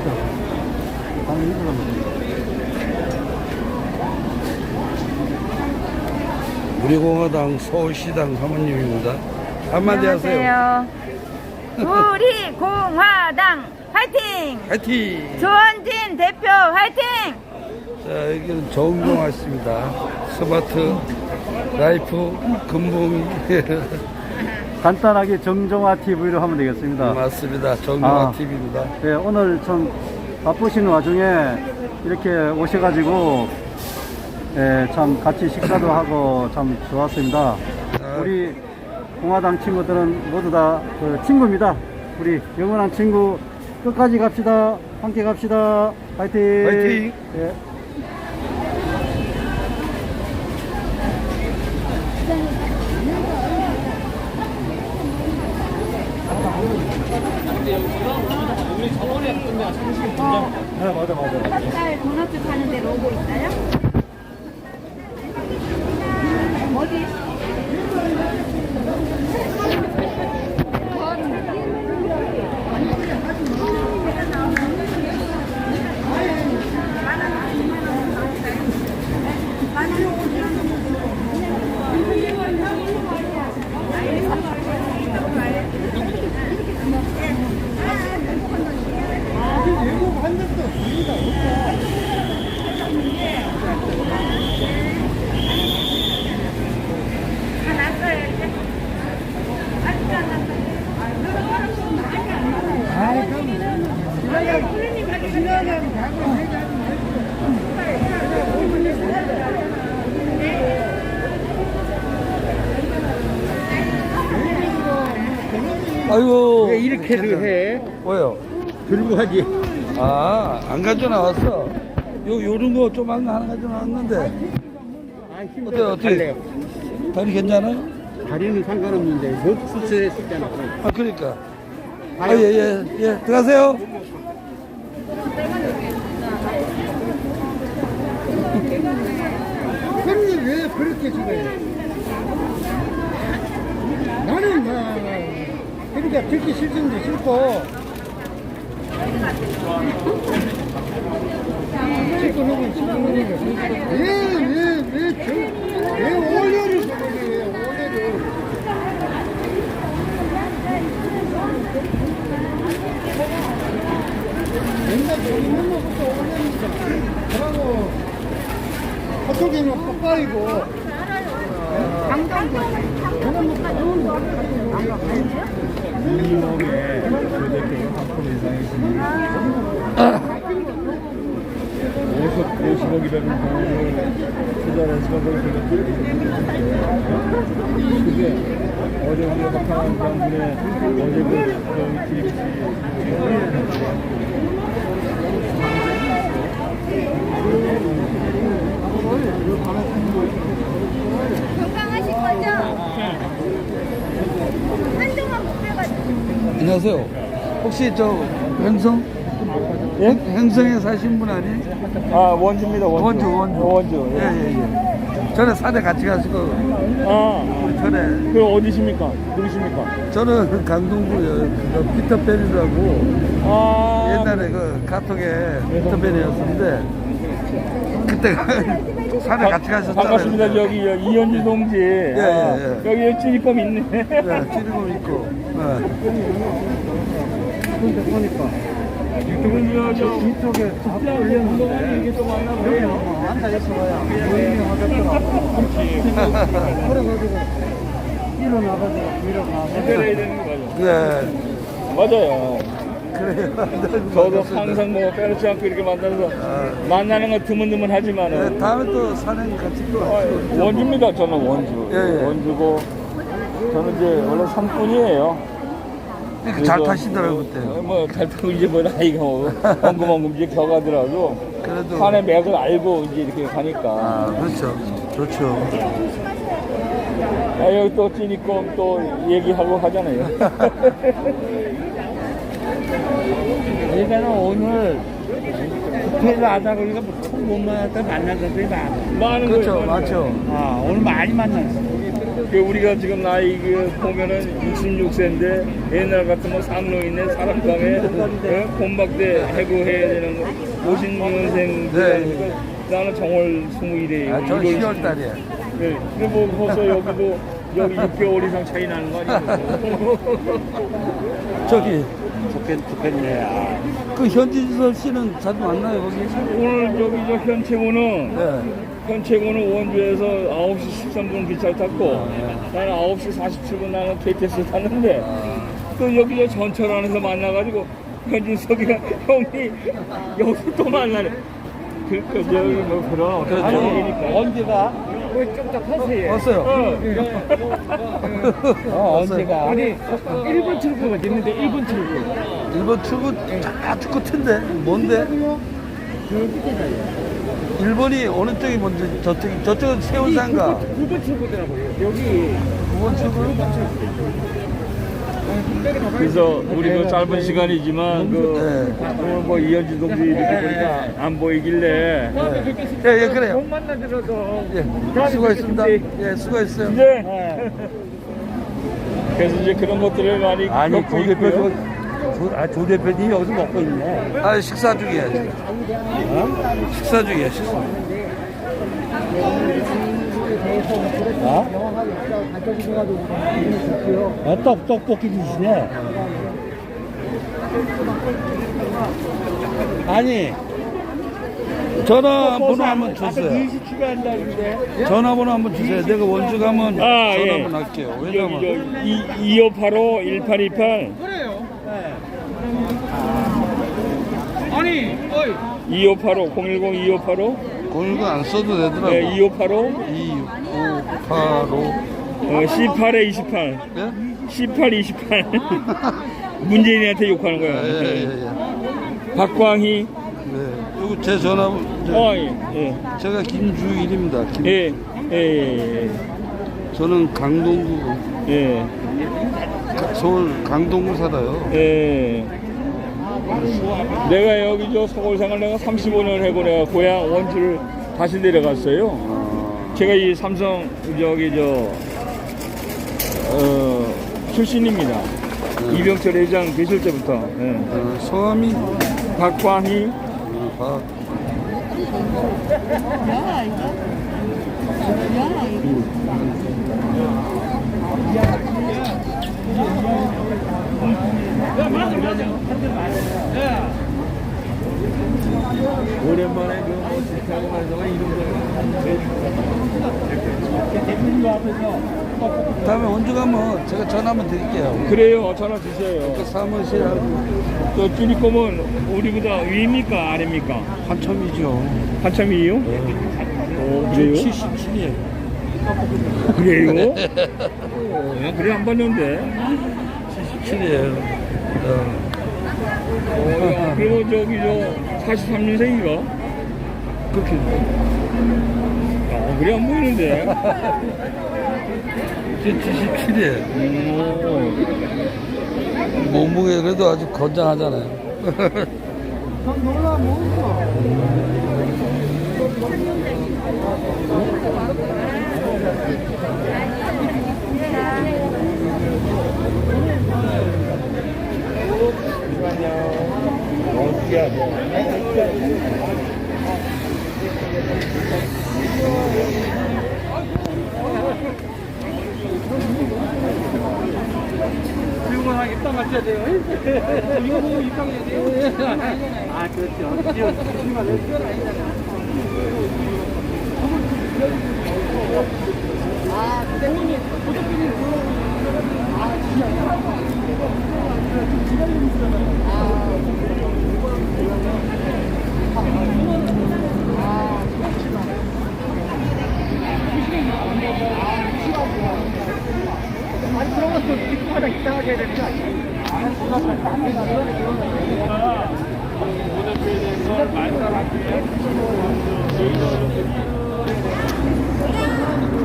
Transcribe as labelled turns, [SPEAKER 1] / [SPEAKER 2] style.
[SPEAKER 1] 우리공화당 서울시당 사모님입니다. 한마디 하세요.
[SPEAKER 2] 우리공화당 화이팅!
[SPEAKER 1] 화이팅!
[SPEAKER 2] 조원진 대표 화이팅!
[SPEAKER 1] 자, 여기는 정종화 씨입니다. 스마트 라이프 금붕.
[SPEAKER 3] 간단하게 정종화 TV로 하면 되겠습니다.
[SPEAKER 1] 맞습니다. 정종화 TV입니다.
[SPEAKER 3] 네, 오늘 좀 바쁘신 와중에 이렇게 오셔가지고 참 같이 식사도 하고 참 좋았습니다. 우리 공화당 친구들은 모두 다 그 친구입니다. 우리 영원한 친구 끝까지 갑시다. 함께 갑시다. 화이팅!
[SPEAKER 1] 화이팅!
[SPEAKER 3] 네.
[SPEAKER 4] 우리 저번에 했던 상식 분장.
[SPEAKER 3] 네, 맞아.
[SPEAKER 2] 햇살 도넛 파는 데 로고 있어요? 어디?
[SPEAKER 1] 아이고.
[SPEAKER 4] 왜 이렇게도 해?
[SPEAKER 1] 뭐요?
[SPEAKER 4] 들고 하지.
[SPEAKER 1] 안 가져 나왔어. 요런 거 좀 하나 가져 나왔는데. 어때? 다리 괜찮아요?
[SPEAKER 4] 다리는 상관없는데 못 수술했었잖아.
[SPEAKER 1] 그러니까. 예. 들어가세요.
[SPEAKER 4] 형님 왜 그렇게 죽어요? 나는 그러니까 듣기 싫은데 싫고 왜 올려를 저거예요? 올려를 맨날 저기 맨날부터 올려니까 그러고 저쪽에는 뽀빠이고 이몸에 그렇게 한푼 이상이십니다. 50억이라는 돈을 투자해서 그게 어제 우리가 박항한 장군의 어제 그
[SPEAKER 2] 건강하실 거죠? 한동안 못 빼가지고.
[SPEAKER 1] 안녕하세요. 혹시 저 행성?
[SPEAKER 4] 예?
[SPEAKER 1] 행성에 사신 분 아니?
[SPEAKER 4] 원주입니다.
[SPEAKER 1] 원주. 예. 전에 산에 같이 가시고 전에
[SPEAKER 4] 그 어디십니까? 누구십니까?
[SPEAKER 1] 저는 강동구요. 그 피터팬이라고 옛날에 그 카톡에 피터팬이었는데 그때 산에 같이 가셨잖아요.
[SPEAKER 4] 반갑습니다. 저기 이현주 동지.
[SPEAKER 1] 예.
[SPEAKER 4] 여기 찌리껌 있네.
[SPEAKER 1] 네, 찌르고 있고.
[SPEAKER 3] 근데 보니까
[SPEAKER 4] 유튜브
[SPEAKER 3] 이쪽에 다 올렸는데
[SPEAKER 4] 이게 또 만나고
[SPEAKER 3] 앉아있어야 모임이 하겠더라고. 그래가지고 일어나가지고
[SPEAKER 4] 해야 되는 거죠.
[SPEAKER 1] 네.
[SPEAKER 4] 맞아요.
[SPEAKER 1] 그래요.
[SPEAKER 4] 저도 항상 뭐 빼놓지 않고 이렇게 만나서 만나는 건 드문드문 하지만은
[SPEAKER 1] 네, 다음에 또 산행 같이 또 하시고.
[SPEAKER 4] 원주입니다. 저는 원주.
[SPEAKER 1] 예.
[SPEAKER 4] 원주고 저는 이제 원래 산꾼이에요.
[SPEAKER 1] 그러니까 잘 타시더라고요, 그때.
[SPEAKER 4] 잘 타고 이제 뭐 나이가 엉금엉금 이제 겨가더라도
[SPEAKER 1] 그래도.
[SPEAKER 4] 산의 맥을 알고 이제 이렇게 가니까.
[SPEAKER 1] 그렇죠. 좋죠.
[SPEAKER 4] 여기 또 찌니껌 또 얘기하고 하잖아요.
[SPEAKER 5] 얘가는 오늘 국회에서 하다 보니까 처음 못 만났다 만난 사람들이 많아.
[SPEAKER 4] 많은
[SPEAKER 1] 그렇죠.
[SPEAKER 4] 거예요.
[SPEAKER 1] 맞죠.
[SPEAKER 5] 오늘 많이 만났어.
[SPEAKER 4] 그 우리가 지금 나이 그 보면은 66세인데 옛날 같으면 상로인의 사랑방에 곰박대 해고해야 되는 거 56년생
[SPEAKER 1] 네.
[SPEAKER 4] 나는 정월 21일이에요.
[SPEAKER 1] 아, 저 10월 달이야.
[SPEAKER 4] 네. 근데 뭐 벌써 여기도 여기 6개월 이상 차이 나는 거 아니에요?
[SPEAKER 1] 저기
[SPEAKER 5] 좋겠네. 아.
[SPEAKER 1] 그 현진설 씨는 자주 만나요 거기?
[SPEAKER 4] 오늘 저기 저 현채구는
[SPEAKER 1] 네.
[SPEAKER 4] 현채구는 원주에서 9시 13분 기차를 탔고 나는 9시 47분 나는 KTX 탔는데 또 여기 저 전철 안에서 만나가지고 현진석이가 형이 여기서 또 만나네. 그 저기 뭐 그런 어떤
[SPEAKER 1] 그렇죠.
[SPEAKER 4] 얘기니까.
[SPEAKER 5] 언제가? 좀더 타세요.
[SPEAKER 1] 왔어요.
[SPEAKER 5] 언제가? 아니 1번 출구가 있는데 1번 출구.
[SPEAKER 1] 1번 출구 저쪽 끝인데 뭔데? 1번이 어느 쪽이 먼저 저쪽은 세운산가
[SPEAKER 5] 9번 출구더라고요. 여기
[SPEAKER 1] 9번 출구?
[SPEAKER 4] 그래서 우리도 짧은 시간이지만 그
[SPEAKER 1] 네.
[SPEAKER 4] 오늘 뭐 이현진 동지 이렇게 보니까 안 보이길래
[SPEAKER 1] 예, 그래요.
[SPEAKER 5] 못 만나더라도
[SPEAKER 1] 예, 수고했습니다. 예, 수고했어요.
[SPEAKER 4] 이제 그래서 이제 그런 것들을 많이
[SPEAKER 5] 아니
[SPEAKER 4] 겪고 있고요.
[SPEAKER 5] 조 대표님이 여기서 먹고 있네.
[SPEAKER 1] 아, 식사 중이야, 지금. 식사 중이야, 식사.
[SPEAKER 5] 떡볶이 드시네. 아니
[SPEAKER 1] 전화번호 한번 주세요.
[SPEAKER 5] 20 추가한다는데.
[SPEAKER 1] 전화번호 한번 주세요. 내가 원주 가면
[SPEAKER 4] 아,
[SPEAKER 1] 전화
[SPEAKER 4] 예.
[SPEAKER 1] 한번 할게요.
[SPEAKER 4] 여기
[SPEAKER 1] 왜냐면
[SPEAKER 4] 2585 1828
[SPEAKER 5] 아니, 어이.
[SPEAKER 4] 2585 010 2585
[SPEAKER 1] 공일고 안 써도 되더라고.
[SPEAKER 4] 네, 2585
[SPEAKER 1] 2585.
[SPEAKER 4] 18에 28
[SPEAKER 1] 예?
[SPEAKER 4] 18 28 문재인한테 욕하는 거야.
[SPEAKER 1] 예, 예, 예.
[SPEAKER 4] 박광희
[SPEAKER 1] 네. 요거 제 전화,
[SPEAKER 4] 예.
[SPEAKER 1] 제가 김주일입니다.
[SPEAKER 4] 예. 예.
[SPEAKER 1] 저는 강동구,
[SPEAKER 4] 예.
[SPEAKER 1] 서울 강동구 살아요.
[SPEAKER 4] 예. 내가 여기 저 서울 생활 내가 35년 하고 내가 고향 원주를 다시 내려갔어요. 제가 이 삼성 저기 출신입니다. 이병철 회장 계실 때부터. 예.
[SPEAKER 1] 성함이
[SPEAKER 4] 박광희.
[SPEAKER 1] 박.
[SPEAKER 5] 오랜만에 그뭐 지하고 말해서 이런 거.
[SPEAKER 1] 다음에 원주 가면 제가 전화 한번 드릴게요.
[SPEAKER 4] 그래요. 전화 주세요.
[SPEAKER 1] 그 사무실하고
[SPEAKER 4] 저 주니kom은 우리보다 위입니까 아래입니까?
[SPEAKER 1] 한참이죠.
[SPEAKER 4] 한참이에요? 그래요?
[SPEAKER 1] 77이에요.
[SPEAKER 4] 그래요? 그래 안 봤는데.
[SPEAKER 1] 77이에요.
[SPEAKER 4] 그리고 저기 저 43년생인가?
[SPEAKER 1] 그렇게.
[SPEAKER 4] 그래 안 보이는데.
[SPEAKER 1] 77이에요. 몸무게 그래도 아주 건장하잖아요.
[SPEAKER 5] 이거 하나 입당 맞춰야 돼요. 이거 보고 입당해야 돼요. 아, 그렇죠. 아니, 그런 것도 입구마다 입당하게 해야 되는 거 아니야?